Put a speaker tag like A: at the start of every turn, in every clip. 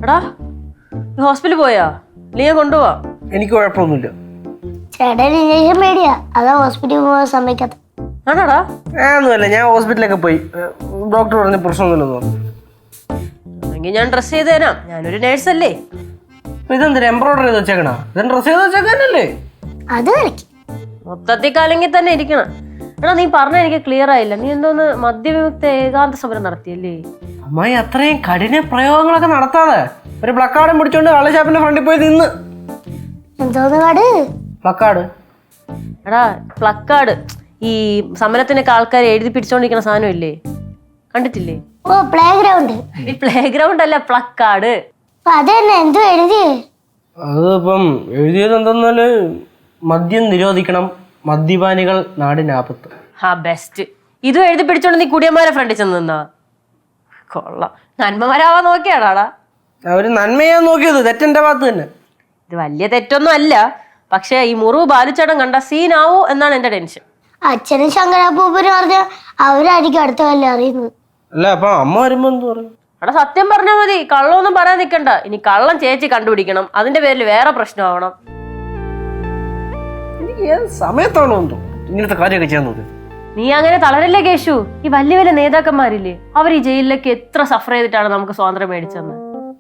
A: എടാ ഹോസ്പിറ്റലിൽ പോയാ? നീ കൊണ്ടുപോവാ?
B: എനിക്ക് കുഴപ്പമൊന്നുമില്ല.
C: ചേട്ടൻ ഇഞ്ചക്ഷൻ പേടിയാ, അതാ ഹോസ്പിറ്റലിൽ പോകാൻ സമ്മതിക്കാത്ത.
A: ആണോടാ?
B: ഒന്നുമല്ല, ഞാൻ ഹോസ്പിറ്റലൊക്കെ പോയി. ഡോക്ടർ പറഞ്ഞ പ്രശ്നമൊന്നുമില്ലെന്ന് പറഞ്ഞു.
A: എങ്കിൽ ഞാൻ ഡ്രസ് ചെയ്ത് തരാം, ഞാനൊരു നേഴ്സല്ലേ.
B: ഇതെന്തിനാ എംബ്രോയിഡറി ചെയ്ത് വെച്ചേക്കണ? ഇതെന്താ ഡ്രസ് ചെയ്ത് വെച്ചേക്കാനല്ലേ?
C: അത് കളിക്കും.
A: മൊത്തത്തിൽ കലങ്ങി തന്നെ ഇരിക്കണം. എടാ നീ പറഞ്ഞ എനിക്ക് ക്ലിയർ ആയില്ല. നീ എന്തോന്ന് മദ്യവിമുക്ത ഏകാന്ത സമരം നടത്തിയല്ലേ?
B: അമ്മായി അത്രയും കഠിന പ്രയോഗങ്ങളൊക്കെ നടത്താതെ ഒരു പ്ലക്കാർഡും പിടിച്ചോണ്ട് കള്ളശാപ്പിന്റെ ഫ്രണ്ടിൽ പോയി നിന്ന്.
C: എന്തോന്ന് കാട്?
B: പ്ലക്കാർഡ്?
A: എടാ പ്ലക്കാർഡ് ഈ സമരത്തിനൊക്കെ ആൾക്കാർ എഴുതി പിടിച്ചോണ്ടിരിക്കുന്ന സാധനം ഇല്ലേ, കണ്ടിട്ടില്ലേ?
C: ഓ, പ്ലേ ഗ്രൗണ്ട്.
A: ഈ പ്ലേ ഗ്രൗണ്ട് അല്ല, പ്ലക്കാർഡ്.
C: അത് തന്നെ. എന്തോ എഴുതിയേ?
B: അതിപ്പം എഴുതിയത് എന്തെന്നാല് മദ്യം നിരോധിക്കണം, മദ്യപാനികൾ നാടിനാപത്ത്.
A: ഹാ ബെസ്റ്റ്. ഇതും എഴുതി പിടിച്ചോണ്ട് നീ കുടിയന്മാരെ ഫ്രണ്ടിൽ ചെന്ന് നിന്നാ കൊള്ളാം. നന്മമാരാവാൻ നോക്കിയാടാടാ.
B: അവര് നന്മയാൻ നോക്കിയത് തെറ്റെന്റെ ഭാഗത്ത് തന്നെ.
A: ഇത് വലിയ തെറ്റൊന്നും അല്ല, പക്ഷെ ഈ മുറിവ് ബാലിച്ചേട്ടൻ കണ്ട സീനാവോ എന്നാണ് എന്റെ ടെൻഷൻ.
C: അച്ഛനും ശങ്കരാപ്പൂപ്പനും പറഞ്ഞ അവരായിരിക്കും അടുത്ത കല്ല് അറിയുന്നത്.
B: അല്ല അപ്പൊ അമ്മ വരുമ്പോ എന്ത് പറയും?
A: എടാ സത്യം പറഞ്ഞാൽ മതി, കള്ളമൊന്നും പറയാൻ നിൽക്കണ്ട. ഇനി കള്ളം ചേച്ചി കണ്ടുപിടിക്കണം, അതിന്റെ പേരിൽ വേറെ പ്രശ്നമാവണം.
B: എനിക്ക് ഏത് സമയത്താണോ എന്തോ ഇങ്ങനത്തെ കാര്യമൊക്കെ ചെയ്യുന്നത്?
A: നീ അങ്ങനെ തളരല്ലേ കേശു. ഈ വലിയ വലിയ നേതാക്കന്മാരില്ലേ, അവർ ഈ ജയിലിലേക്ക് എത്ര സഫർ ചെയ്തിട്ടാണ് നമുക്ക് സ്വാതന്ത്ര്യം മേടിച്ചെന്ന്.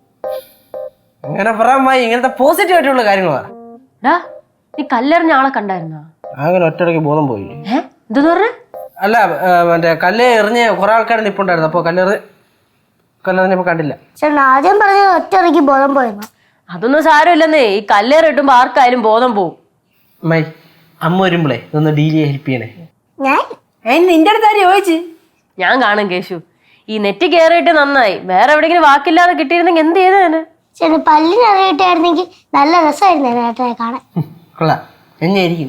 B: അങ്ങനെ പറയാൻ ഇങ്ങനത്തെ പോസിറ്റീവ് ആയിട്ടുള്ള കാര്യങ്ങളാ.
A: ഡാ നീ കല്ലെറിഞ്ഞ ആളെ കണ്ടായിരുന്നാ?
B: അങ്ങനെ ഒറ്റയ്ക്ക് ബോധം പോയില്ലേ?
A: എന്തെന്ന് പറഞ്ഞ?
B: അല്ല മറ്റേ കല്ല് എറിഞ്ഞ് കുറെ ആൾക്കാർ നിപ്പുണ്ടായിരുന്നു. അപ്പൊ കല്ലെറിഞ്ഞപ്പോ കണ്ടില്ല.
C: ചേട്ടൻ ആദ്യം പറഞ്ഞത് ഒറ്റയ്ക്ക് ബോധം പോയെന്നോ?
A: അതൊന്നും സാരമില്ലെന്നേ, ഈ കല്ലേറ് ഇട്ടുമ്പോ ആർക്കായാലും ബോധം പോവും.
B: അമ്മായി അമ്മ വരുമ്പോളേ ഇതൊന്ന് ഡീൽ ചെയ്യാൻ ഹെൽപ്പ് ചെയ്യണേ.
A: നിന്റെ അടുത്ത് ആര് ചോദിച്ചു? ഞാൻ കാണും കേശു, ഈ നെറ്റ് കയറിയിട്ട് നന്നായി. വേറെ എവിടെയെങ്കിലും വാക്കില്ലാതെ കിട്ടിയിരുന്നെങ്കിൽ എന്ത് ചെയ്തേനെ?
C: ചേട്ടൻ പല്ലിന് അറിയിട്ടായിരുന്നെങ്കിൽ നല്ല രസമായിരുന്നു ഏട്ടനെ കാണാൻ.
B: കൊള്ളാം, എന്നെയായിരിക്കും.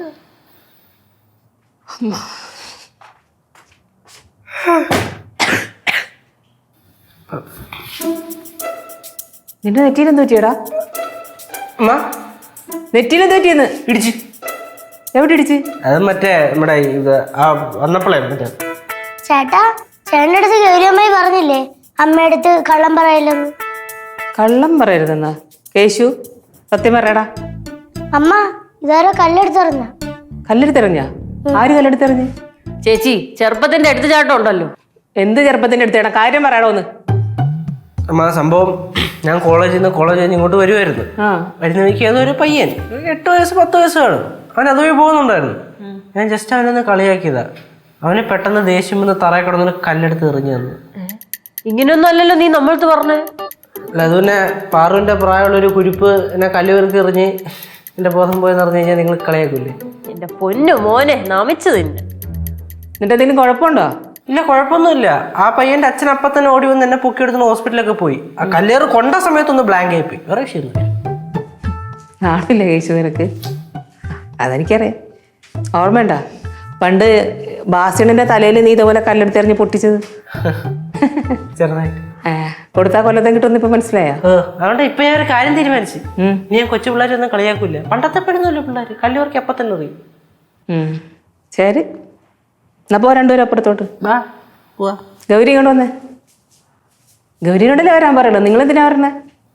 D: നിന്റെ നെറ്റിയിലെന്ത് പറ്റിയടാ? നെറ്റിയിലെന്ത് പറ്റിയെന്ന്?
B: ഇടിച്ച്.
D: എവിടെ ഇടിച്ച്?
B: അത് മറ്റേ നമ്മുടെ ഇത് വന്നപ്പോഴേ മറ്റേ.
C: ചേട്ടാ, ചേട്ടൻ്റെ അടുത്ത് ഗൗരിയമ്മായി പറഞ്ഞില്ലേ അമ്മയുടെ അടുത്ത് കള്ളം പറയില്ലെന്ന്?
D: കള്ളം പറയരുതെന്നാ? കേശു സത്യം പറയടാ.
C: അമ്മ ഇതാരോ കല്ലെടുത്തെറിഞ്ഞ.
D: കല്ലെടുത്തെറിഞ്ഞാ? ആര് കല്ലെടുത്തെറിഞ്ഞ്?
A: ചേച്ചി ചെറുപ്പത്തിന്റെ എടുത്തുചാട്ടം ഉണ്ടല്ലോ.
D: എന്ത് ചെറുപ്പത്തിന്റെ അടുത്തേടാ? കാര്യം പറയണോ ഒന്ന്?
B: അമ്മ സംഭവം ഞാൻ കോളേജിൽ നിന്ന് ഇങ്ങോട്ട് വരുമായിരുന്നു. വരുന്ന വഴിക്ക് ഏതൊരു പയ്യൻ 8 വയസ്സ് 10 വയസ്സ് കാണും. അവൻ അതുവഴി പോകുന്നുണ്ടായിരുന്നു. ഞാൻ ജസ്റ്റ് അവനൊന്ന് കളിയാക്കിയതാ. അവന് പെട്ടെന്ന് ദേഷ്യം വന്ന് തറയിൽ കിടന്നൊരു കല്ലെടുത്ത് എറിഞ്ഞു തന്നു.
A: ഇങ്ങനെയൊന്നും അല്ലല്ലോ നീ നമ്മളടുത്ത് പറഞ്ഞേ.
B: അല്ല അത് പിന്നെ പാറുവിന്റെ പ്രായമുള്ളൊരു കുരിപ്പ് എന്നെ കല്ല് വെറുക്കി എറിഞ്ഞ് എന്റെ ബോധം പോയെന്ന് പറഞ്ഞു കഴിഞ്ഞാൽ നിങ്ങൾ കളിയാക്കൂലേ?
A: എന്റെ പൊന്നു മോനെ, നമിച്ചു തന്നെ.
D: എന്നിട്ട് എന്തെങ്കിലും കുഴപ്പമുണ്ടോ?
B: ഇല്ല, കുഴപ്പമൊന്നുമില്ല. ആ പയ്യന്റെ അച്ഛൻ അപ്പം തന്നെ ഓടി വന്ന് എന്നെ പൊക്കിയെടുത്ത് ഹോസ്പിറ്റലൊക്കെ പോയി. ആ കല്ലേറ് കൊണ്ട സമയത്തൊന്ന് ബ്ലാങ്ക് ആയിപ്പോയി. വേറെ ശരി
D: ആണില്ല കേശു നിനക്ക്? അതെനിക്കറിയാം. ഓർമ്മയുണ്ടാ പണ്ട് ബാസിണിന്റെ തലയിൽ നീ ഇതുപോലെ കല്ലെടുത്തെറിഞ്ഞ് പൊട്ടിച്ചത്?
B: ചെറുതായിട്ട്
D: കൊടുത്താ കൊല്ലത്തും കിട്ടുമെന്ന് ഇപ്പൊ മനസ്സിലായോ?
B: അതുകൊണ്ട് ഇപ്പൊ ഞാൻ ഒരു കാര്യം തീരുമാനിച്ചു. ഞാൻ കൊച്ചു പിള്ളേരൊന്നും കളിയാക്കൂല. പണ്ടത്തെ പെടുന്നല്ലോ പിള്ളേര്, കല്ലുവർക്ക് അപ്പൊ തന്നെ അറിയും.
D: ശരി, എന്നാ പോ രണ്ടുപേരും അപ്പുറത്തോട്ട്. ഗൗരി ഇങ്ങോട്ട് വന്നേ. ഗൗരിനോടല്ലേ വരാൻ പറയല്ലോ, നിങ്ങൾ എന്തിനാ പറഞ്ഞേ?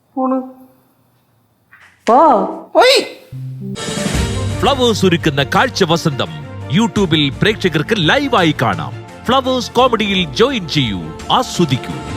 D: പോ.
E: ഫ്ലവേഴ്സ് ഒരുക്കുന്ന കാഴ്ച വസന്തം യൂട്യൂബിൽ പ്രേക്ഷകർക്ക് ലൈവായി കാണാം. ഫ്ലവേഴ്സ് കോമഡിയിൽ ജോയിൻ ചെയ്യൂ, ആസ്വദിക്കൂ.